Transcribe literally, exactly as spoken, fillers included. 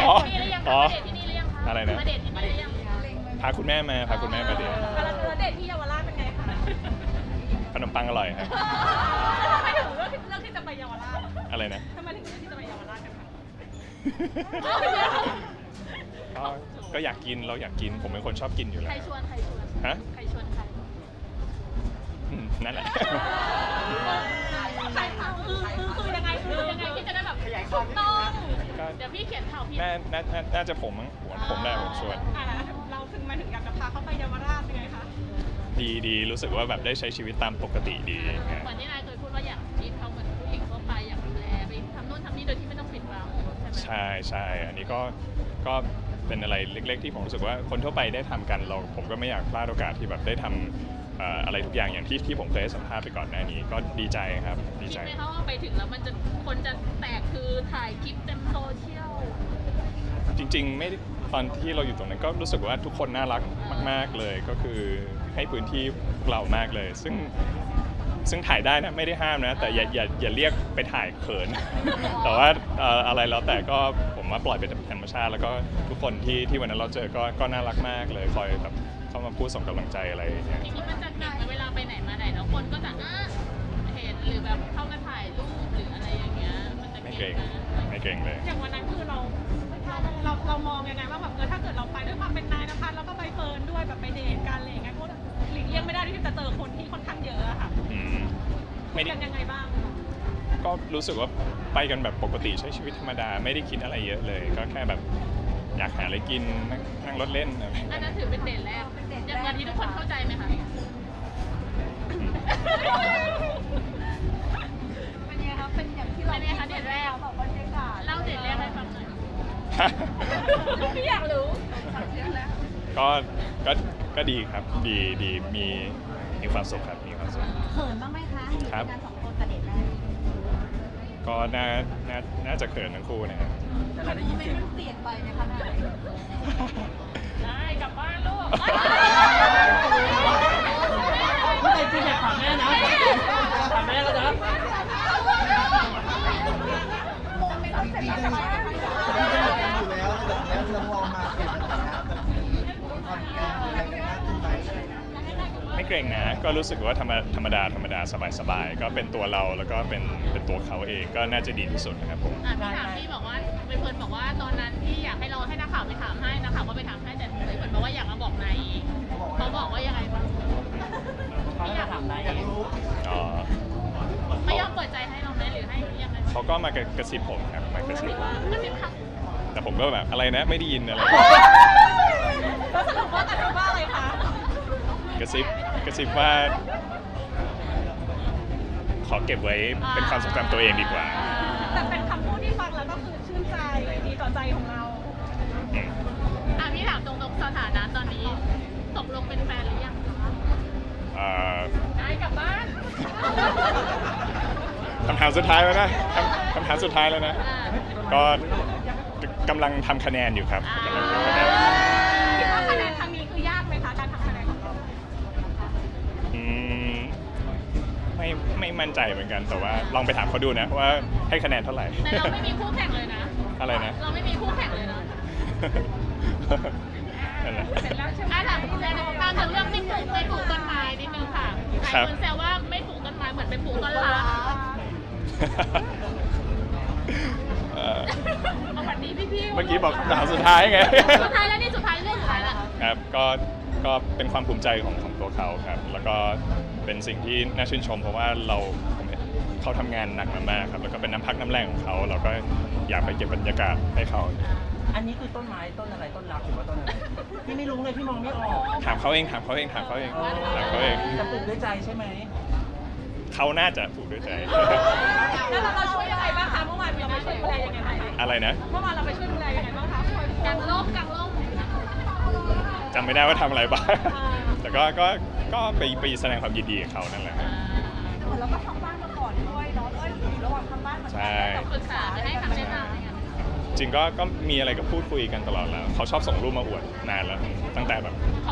อ๋อที่นี่หรือยังอ๋อคะมาเดทที่นี่หรือยังคะอะไรนะมาเดทที่นี่หรือยังพาคุณแม่มาพาคุณแม่มาเดทแล้วเดทที่เยาวราชเป็นไงคะขนมปังอร่อยครับทำไมถึงเลือกเลือกที่จะไปเยาวราชอะไรนะทำไมถึงเลือกที่จะไปเยาวราชกันคะก็ก็อยากกินเราอยากกินผมเป็นคนชอบกินอยู่แล้ใครวชวนใครชวนฮะใครชวนใครอืมนั่นแหละใครเขาคือคือคือยังไงคือยังไงที่จะได้แบบถูกต้องเดี๋ยวพี่เขียนข่าวพี่น่าน่าน่าน่าจะผมมั้งผมแหละผมชวนอ่าเราถึงมาถึงอยากจะพาเขาไปเยาวราชยังไงคะดีดีรู้สึกว่าแบบได้ใช้ชีวิตตามปกติดีไงเหมือนที่นายเคยพูดว่าอยากชีวิตเขาเหมือนผู้หญิงทั่วไปอยากดูแลไปทำนู่นทำนี่โดยที่ไม่ต้องปิดบังใช่ไหมใช่ใช่อันนี้ก็ก็เป็นอะไรเล็ก ๆ ที่ผมรู้สึกว่าคนทั่วไปได้ทำกันเราผมก็ไม่อยากพลาดโอกาสที่แบบได้ทำเอ่ออะไรทุกอย่างอย่างที่ที่ผมเคยให้สัมภาษณ์ไปก่อนหน้านี้ก็ดีใจครับดีคิดใจไหมคะว่าไปถึงแล้วมันจะคนจะแตกคือถ่ายคลิปเต็มโซเชียลจริงๆไม่ได้ตอนที่เราอยู่ตรงนั้นก็รู้สึกว่าทุกคนน่ารักมาก ๆเลยก็คือให้พื้นที่พวกเรามากเลย ซึ่งซึ่งถ่ายได้นะไม่ได้ห้ามนะ แต่อย่าอย่าอย่าเรียกไปถ่ายเขิน แต่ว่าเอ่ออะไรแล้วแต่ก็ผมว่าปล่อยเป็นธรรมชาติ แล้วก็ทุกคนที่ที่วันนั้นเราเจอก็ก็น่ารักมากเลยคอยแบบเข้ามาพูดส่งกำลังใจอะไรอย่างเงี้ยทีนี้มันจะเก่งไหมเวลาไปไหนมาไหนแล้วคนก็จะอ่ะเห็นหรือแบบเข้ามาถ่ายรูปหรืออะไรอย่างเงี้ยมันจะไม่เก่เกรง งไหมไม่เกรงเลยอย่างวันนั้นคือเราเราเราเรามองยังไงว่าแบบเออถ้าเกิดเราไปด้วยความเป็นนายนภัสแล้วก็ใบเฟิร์นด้วยแบบไปเดทกันอะไรอย่างเงี้ยก็หลีกเลี่ยงไม่ได้ที่จะเจอคนที่ค่อนข้างเยอะอะค่ะอืมไม่ได้กันยังไงบ้างก็รู้สึกว่าไปกันแบบปกติใช้ชีวิตธรรมดาไม่ได้คิดอะไรเยอะเลย ก็แค่แบบอยากหาอะไรกินนั่งนั่งรถเล่นอะไรอันนั้นถือเป็นเดทแรกอย่างวันนี้ทุกคนเข้าใจไหมคะเป็นยังไงคะเป็นอย่างที่เราเป็นไงคะเดทแรกแบบบรรยากาศเล่าเดทแรกให้ฟังหน่อยพี่อยากรู้ก็ก็ก็ดีครับดีดีมีมีความสุขครับมีความสุขเขินบ้างไหมคะอยู่ครับด้วยกันสองคนกับเดทแรกก็น่าน่าน่าจะเขินทั้งคู่นะครับทำไมมันเปลี่ยนไปไหมคะนายได้กลับบ้านลูกไม่ใช่จริงอยากถามแม่นะถามแม่แล้วนะไม่เกรงนะก็รู้สึกว่าธรรมธรรมดาธรรมดาสบายสบายก็เป็นตัวเราแล้วก็เป็นเป็นตัวเขาเองก็น่าจะดีที่สุดนะครับผมอ่ะพี่ถามพี่บอกว่าไปเฟิร์นบอกว่าตอนนั้นที่อยากให้เราให้นักข่าวไปถามให้นักข่าวก็ไปถามให้แต่ไปเฟิร์นบอกว่าอยากมาบอกนายเขาบอกว่ายังไงบ้างเขาจะถามนายเองอ๋อไม่ยอมเปิดใจให้เราไหมหรือให้ยังไงเขาก็มากระกระซิบผมครับมากระซิบก็สิบครั้งแต่ผมก็แบบอะไรนะไม่ได้ยินอะไรแล้วสรุปว่ากันว่าอะไรคะกระซิบกระซิบว่า ขอเก็บไว้เป็นความทรงจำตัวเองดีกว่าแต่เป็นคำพูดที่ฟังแล้วก็คือชื่นใจดีต่อใจของเราอืมอ่ะพี่ถามตรงๆสถานะตอนนี้ตกลงเป็นแฟนหรือยังคะเอ่อนายกลับบ้านคำถามสุดท้ายแล้วนะคำคำถามสุดท้ายแล้วนะอ่าก็กำลังทำคะแนนอยู่ครับกำลังทำคะแนนคิดว่าคะแนนครั้งนี้คือยากไหมคะการทำคะแนนของเราอืมไม่ไม่มั่นใจเหมือนกัน แต่ว่าลองไปถามเขาดูนะว่าให้คะแนนเท่าไหร่แต่เราไม่มีคู่แข่งเลยนะอะไรนะเราไม่มีคู่แข่งเลยนะนั่นแหละเสร็จแล้วใช่ไหมถามในวงการถึงเรื่องไม่ปลูกไม่ปลูกต้นไม้นิดนึงค่ะหลายครับคนแซวว่าไม่ปลูกต้นไม้เหมือนไปปลูกต้นรักเอ่อเอาวันนี้พี่พี่ๆเมื่อกี้บอกคำถามสุดท้ายไงสุดท้ายแล้วนี่สุดท้ายเรื่องสุดท้ายละครับก็ก็เป็นความภูมิใจของของตัวเขาครับ แล้วก็เป็นสิ่งที่น่าชื่นชม เพราะว่าเราผมเห็นเขาทำงานหนักมากๆครับแล้วก็เป็นน้ำพักน้ำแรงของเขาเราก็อยากไปเก็บบรรยากาศให้เขาอันนี้คือต้นไม้ต้นอะไรต้นรักหรือว่าต้นอะไรพี่ไม่รู้เลยพี่มองไม่ออกถามเขาเองถามเขาเองถามเขาเองถามเขาเองจะปลูกด้วยใจใช่ไหมเขาน่าจะถูกด้วยใจแล้วเราเราช่วยยังไงบ้างคะเมื่อวานเราไปช่วยดูแลยังไงบ้างคะอะไรนะเมื่อวานเราไปช่วยดูแลยังไงบ้างคะคอยกางร่มกางร่มจำไม่ได้ว่าทำอะไรบ้างอ่าแต่ก็ก็ก็ไปไปแสดงความยินดีกับเขานั่นแหละครับเหมือนเราก็ทำบ้านมาก่อนด้วยเนาะเอ้ยอยู่ระหว่างทำบ้านเหมือนกัใช่แล้วปรึกษาไปให้คำแนะนำอะไรเงี้ยจริงก็ก็มีอะไรก็พูดคุยกันตลอดแล้วเขาชอบส่งรูปมาอวดนานแล้วตั้งแต่แบบ